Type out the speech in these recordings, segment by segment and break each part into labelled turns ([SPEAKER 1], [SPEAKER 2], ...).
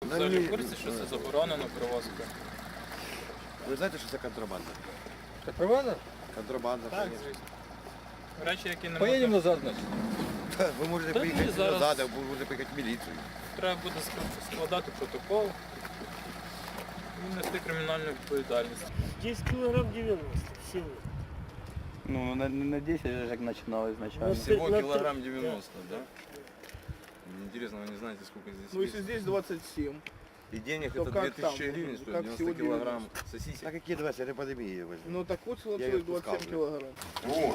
[SPEAKER 1] взагалі в курсі, що це заборонено перевозка?
[SPEAKER 2] Ви знаєте, що це контрабанда?
[SPEAKER 3] Контрабанда?
[SPEAKER 2] Контрабанда.
[SPEAKER 1] Так,
[SPEAKER 2] конечно.
[SPEAKER 1] звісно. Речі, які не
[SPEAKER 3] Поедем
[SPEAKER 1] можна,
[SPEAKER 3] назад, значит.
[SPEAKER 2] Ви можете
[SPEAKER 1] Та
[SPEAKER 2] поїхати
[SPEAKER 1] ні, зараз-
[SPEAKER 2] назад, а ви можете поїхати в міліцію.
[SPEAKER 1] треба буде складати протокол і нести кримінальну відповідальність.
[SPEAKER 4] 10 килограмм 90 всего.
[SPEAKER 5] Ну, на 10 я же начинал изначально.
[SPEAKER 4] Ну,
[SPEAKER 6] Всего
[SPEAKER 4] на-
[SPEAKER 6] килограмм 90, да? Интересно, вы не знаете, сколько здесь
[SPEAKER 7] Ну, если
[SPEAKER 6] весит?
[SPEAKER 7] здесь 27,
[SPEAKER 6] И денег
[SPEAKER 7] то
[SPEAKER 6] это
[SPEAKER 7] как
[SPEAKER 6] 2000
[SPEAKER 7] там?
[SPEAKER 6] гривен
[SPEAKER 7] Как
[SPEAKER 6] стоит, 90
[SPEAKER 7] всего
[SPEAKER 6] килограмм сосисек.
[SPEAKER 2] Так які 20, це пандемія возьме.
[SPEAKER 7] ну так вот
[SPEAKER 2] Я
[SPEAKER 7] целых
[SPEAKER 2] её
[SPEAKER 7] 27
[SPEAKER 2] пускал,
[SPEAKER 7] килограмм.
[SPEAKER 6] Вот.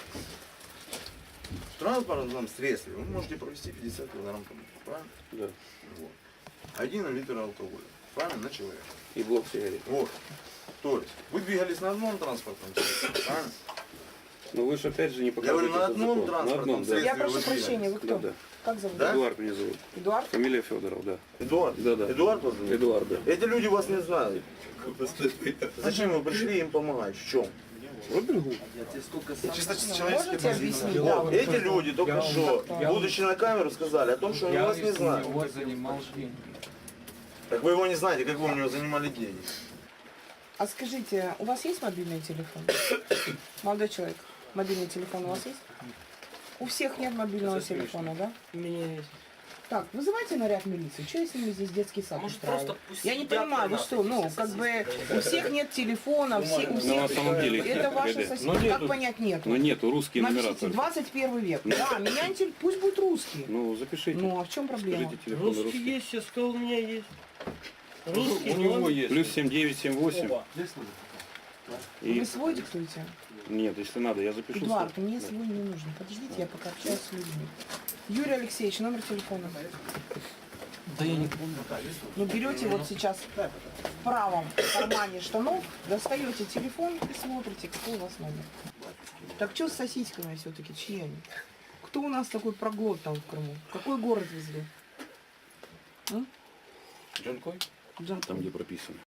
[SPEAKER 6] В транспортном средстве вы можете провести 50 килограмм продуктов, правильно?
[SPEAKER 5] Да.
[SPEAKER 6] Вот. 1 литр алкоголя, правильно, на человека.
[SPEAKER 5] И блок сигарет.
[SPEAKER 6] Вот. То есть, вы двигались на одном транспортном средстве, правильно?
[SPEAKER 5] Но вы же опять же не
[SPEAKER 6] Я
[SPEAKER 5] показываете
[SPEAKER 6] говорю, на
[SPEAKER 5] этот
[SPEAKER 6] одном
[SPEAKER 5] закон.
[SPEAKER 6] транспортном
[SPEAKER 5] На одном, да.
[SPEAKER 6] средстве.
[SPEAKER 8] Я прошу
[SPEAKER 6] вы
[SPEAKER 8] прощения, вы
[SPEAKER 6] двигались.
[SPEAKER 8] кто?
[SPEAKER 5] Да, да.
[SPEAKER 8] Как зовут?
[SPEAKER 6] Да?
[SPEAKER 5] Эдуард меня зовут.
[SPEAKER 8] Эдуард?
[SPEAKER 5] Фамилия Федоров, да.
[SPEAKER 6] Эдуард?
[SPEAKER 5] Да, да.
[SPEAKER 6] Эдуард вас зовут?
[SPEAKER 5] Эдуард, да.
[SPEAKER 6] Эти люди вас не знают. Зачем вы пришли им помогать? В чем? Чисто
[SPEAKER 8] Можете объяснить? Да,
[SPEAKER 6] Вот,
[SPEAKER 8] вот.
[SPEAKER 6] эти люди только что, будучи на камеру, сказали о том, что они вас не знают. Так вы его не знаете, как вы у него занимали деньги.
[SPEAKER 8] А скажите, у вас есть мобильный телефон? Молодой человек, мобильный телефон у вас есть? У всех нет мобильного телефона, да?
[SPEAKER 4] У меня есть.
[SPEAKER 8] Так, вызывайте наряд милиции. Что я с ними здесь детский сад устраиваю? Я не понимаю, вы что, ну, как бы у всех нет телефона, все, у всех...
[SPEAKER 5] на самом деле их
[SPEAKER 8] это
[SPEAKER 5] нет,
[SPEAKER 8] ваши
[SPEAKER 5] ребят.
[SPEAKER 8] соседи. Как понять нет?
[SPEAKER 5] Но нету, русские номера
[SPEAKER 8] Напишите,
[SPEAKER 5] только.
[SPEAKER 8] 21 век. Да, меня пусть будет русский.
[SPEAKER 5] Ну, запишите.
[SPEAKER 8] Ну, а в чем проблема?
[SPEAKER 5] Скажите телефон
[SPEAKER 4] Русский
[SPEAKER 5] русский.
[SPEAKER 4] есть, все сказал, у меня есть. Русский,
[SPEAKER 3] У него есть.
[SPEAKER 5] Плюс 7978. И...
[SPEAKER 8] Вы свой диктуете?
[SPEAKER 5] Нет, если надо, я запишу.
[SPEAKER 8] Эдуард, мне свой не нужен. Подождите, я пока общаюсь с людьми. Юрий Алексеевич, номер телефона.
[SPEAKER 3] Да я не помню.
[SPEAKER 8] Ну, берете вот сейчас в правом кармане штанов, достаете телефон и смотрите, какой у вас номер. Так что с сосисками все-таки? Чьи они? Кто у нас такой проглот там в Крыму? Какой город везли?
[SPEAKER 5] Джанкой?
[SPEAKER 8] Джанкой.
[SPEAKER 5] Там, где прописано.